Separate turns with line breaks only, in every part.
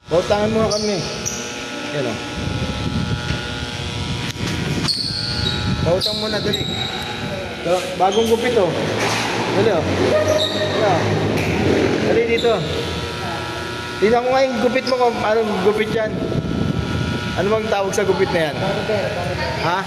Pautangan mo nga kami. Yan o. Pautang mo na, dali. Bagong gupit o. Dali o. Dali dito. Tingnan ko nga yung gupit mo kung anong gupit yan. Ano bang tawag sa gupit na yan? Ha?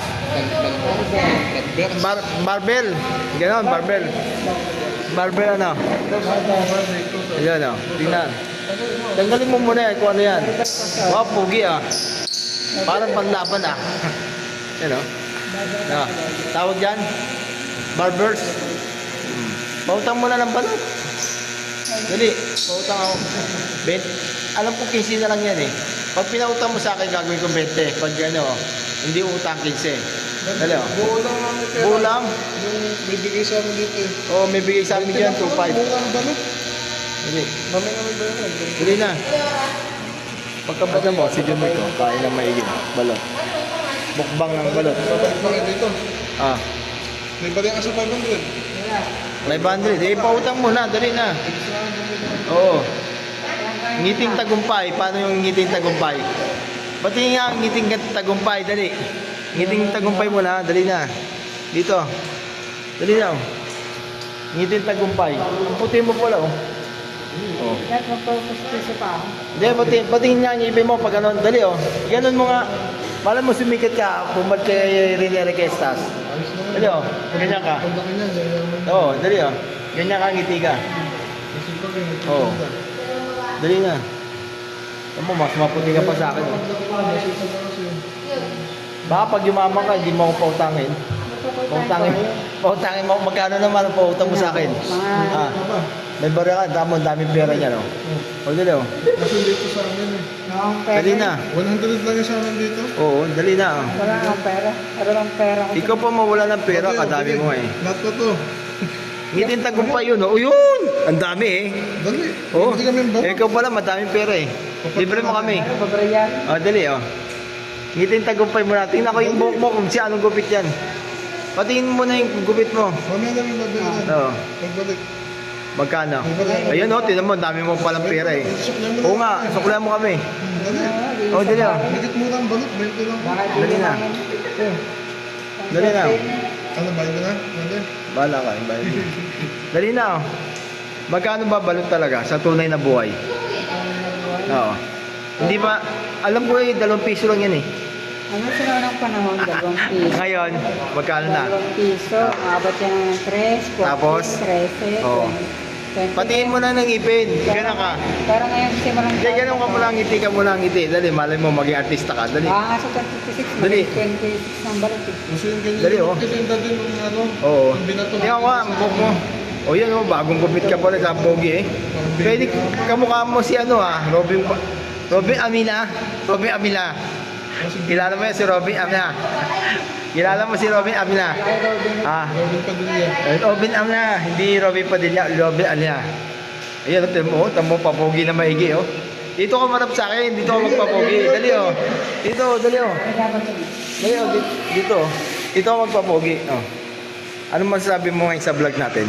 Barbell. Ganon, barbell. Barbell ano? Ayan o. Tingnan. Tanggalin mo muna yan kung ano yan. Wow, pugi ah. Parang panlaban ah. Yan o. Tawag dyan? Barbers. Pautang mo na ng balot. Dali, pautang ako. Alam ko 15 na lang yan eh. Pag pinautang mo sa akin, gagawin ko 20. Pag ano, hindi utang 15. Dali o. Bulang.
Yung bibigay sa amin dito eh.
Oo, may bigay sa amin dyan, 2.5.
Bulang balot.
Dali.
Mamay namin ba yun?
Dali na. Pagkabata mo, si John Mico, kain ng maigin. Balot. Mukbang ng balot.
Bakit dito?
Ah.
May balik ka sa 500.
500. Eh, pautang mo na. Dali na. Oo. Ngiting tagumpay. Paano yung ngiting tagumpay? Pati nga ang ngiting tagumpay. Dali. Ngiting tagumpay mo na. Dali na. Dito. Dali na. Oh. Ngiting tagumpay. Ang puti mo pala. Oh. Oh.
Yan, magpapasisa pa ako.
Hindi, patingin nga ang ipin mo pag ganon. Dali oh. Ganon mo nga. Malam mo sumikat ka. Bumad kay Rene Requestas. Dali oh. Ganyan ka.
Pagdakin niya, ganyan.
Oo, dali oh. Ganyan ka ngiti ka. Oo. Dali na. Tama, mas maputi ka pa sa akin. Oh. Baka pag yumaman ka, hindi mo ako pautangin. Pautangin mo. Magkano naman ang pautang mo sa akin? Ah. May bara ka, daming pera niya, no? O, dali, oh.
Kasi dito sa amin eh.
Dali na.
100 lang yung sa amin dito.
Oo, dali na, oh.
Wala kang pera. Wala kang pera.
Ikaw pa mawala ng pera, kadami mo eh.
Lahat ko to.
Ngitin tagumpay yun, oh. Yun! Ang dami eh.
Dali.
Oo.
Hindi kami ba?
Ikaw pala, madaming pera eh. Libre mo kami.
Ano, babrayan?
O, dali, oh. Ngitin tagumpay mo na. Tingnan ko yung buhok mo kung si anong gupit yan. Patingin mo na yung gupit mo.
Mamaya namin babalikan.
Oo.
Pagbalik.
Magkano? Ayun, oh. Tingnan mo, dami mo palang pera eh. Oo nga, suklan mo kami.
Dali.
Oh, dali, oh.
Higit mo lang balot. 20 lang.
Dali na. Dali na.
Ano, bayad ka na? Dali.
Bahala ka, bayad mo. Dali na, oh. Magkano ba balot talaga sa tunay na buhay? Oo. Hindi ba, alam ko eh, 2 piso lang yan eh.
Ano sila ng panahon? 2 piso.
Ngayon, magkano na?
2 piso. Maabot yan ng 3, 14,
Tapos?
13,
Oo.
20.
Patingin mo na ng ipin. Gano'n ka.
Pero ngayon kasi walang
Hindi, gano'n ka muna ngiti ka muna ngiti. Dali, malay mo maging artista ka. Dali.
Baka nga sa 26,
Dali.
maging 26 ng balot eh.
Kasi yung ganyan.
Dali, oh.
Kasi yung dati nung ano.
Oo.
Yung binato.
Tingnan ko nga, ang buhok mo. O yan o, bagong gupit ka pala sa pogi eh. Pwede kamukha mo si ano ah, Robin Amina. Robin Amina. Kilala mo yan si Robin Amina. Kilala mo si Robin Amina. Ah,
Robin Padilla.
Robin Amina, hindi Robin Padilla, Robin Amina. Ayan, tamo papogi na maigi oh. Dito ka marap sa akin, dito ka magpapogi. Dali oh. Dito, dali oh. Dali oh, dito oh. Dito ka magpapogi. Oh. Ano masasabi mo ngayon sa vlog natin?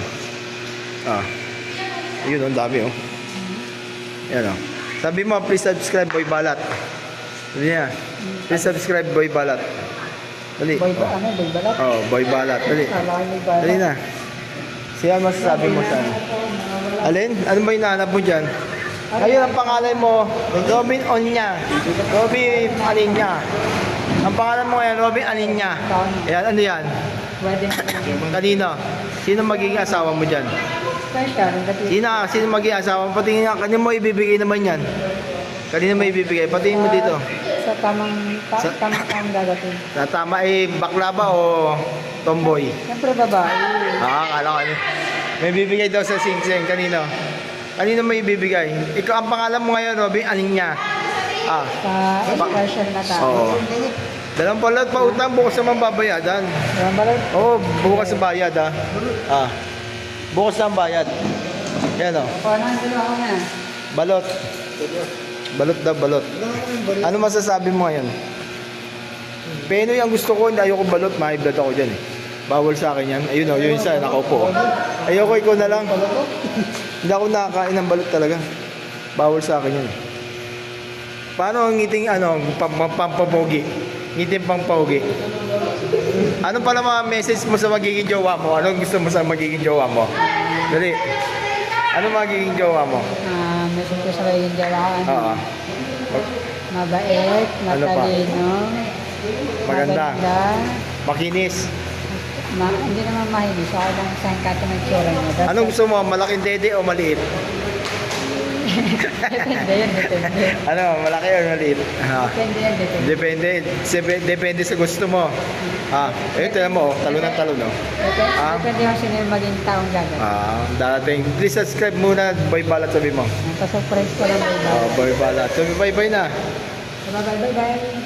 Ah. Ayun, ang dami oh. Ayan oh. Sabi mo, please subscribe Boy Balat. Dali na. Please subscribe Boy Balat. Dali.
Boy ba? Ano? Boy balat?
Oh, Boy Balat. Dali.
Kala ko may balat.
Dali na. Siya masasabi mo sa ano? Alin? Ano ba yung nahanap mo dyan? Ayun ang pangalan mo, Robin Onya. Robin Alinya. Ang pangalan mo ngayon, Robin Alinya. Ayan, ano yan?
Wedding.
Kanino? Sino magiging asawa mo dyan?
Special.
Sino magiging asawa mo? Patingin nga, kanino mo ibibigay naman yan? Kanino mo ibibigay? Patingin mo dito.
Sa tamang gagatin.
Na tama eh, bakla ba o tomboy?
Siyempre babae.
Ah, kala ko ano. May bibigay daw sa Sing-Sing. Kanino? Kanino may ibibigay? Ikaw ang pangalan mo ngayon, Robin Alinya. Ah.
Sa special na tao.
Oo. Dalang balot pa utang, bukas naman babayadan.
Walang balot.
Oo, bukas ang bayad ah. Ah. Bukas ang bayad. Yan o.
Paano ang dalawa na?
Balot. Balot daw, balot. Ano masasabi mo ngayon? Penoy ang gusto ko, hindi ayoko balot, ma-blood ako dyan eh. Bawal sa akin yan. Ayun o, yun isa, nakaupo. Ayoko, ikaw na lang. Hindi ako nakakain ng balot talaga. Bawal sa akin yan eh. Bawal sa akin yan eh. Paano ang ngiting ano, pampapogi? Ngiting pangpogi. Ano pala mga message mo sa magiging jowa mo? Anong gusto mo sa magiging jowa mo? Dali. Ano magiging jowa mo?
Meron ko sa magiging jawaan.
Oo.
Mabait,
Ano pa?
matalino.
Maganda.
Maganda.
Makinis.
Hindi naman mahilig. So, ako lang isang kato ng tsura niya. Basta-
Anong gusto mo? Malaking dede o maliit?
Depende yan, depende.
Ano, malaki o maliit?
Depende yan, depende.
Depende sa gusto mo. Tignan mo, talo ng talo, no?
Depende yung sino yung maging taong gagat.
Darating. Please subscribe muna, Boy Balat, sabi mo.
Pasurprise ko lang, bye-bye.
Boy Balat. Sabi bye-bye na.
Bye-bye.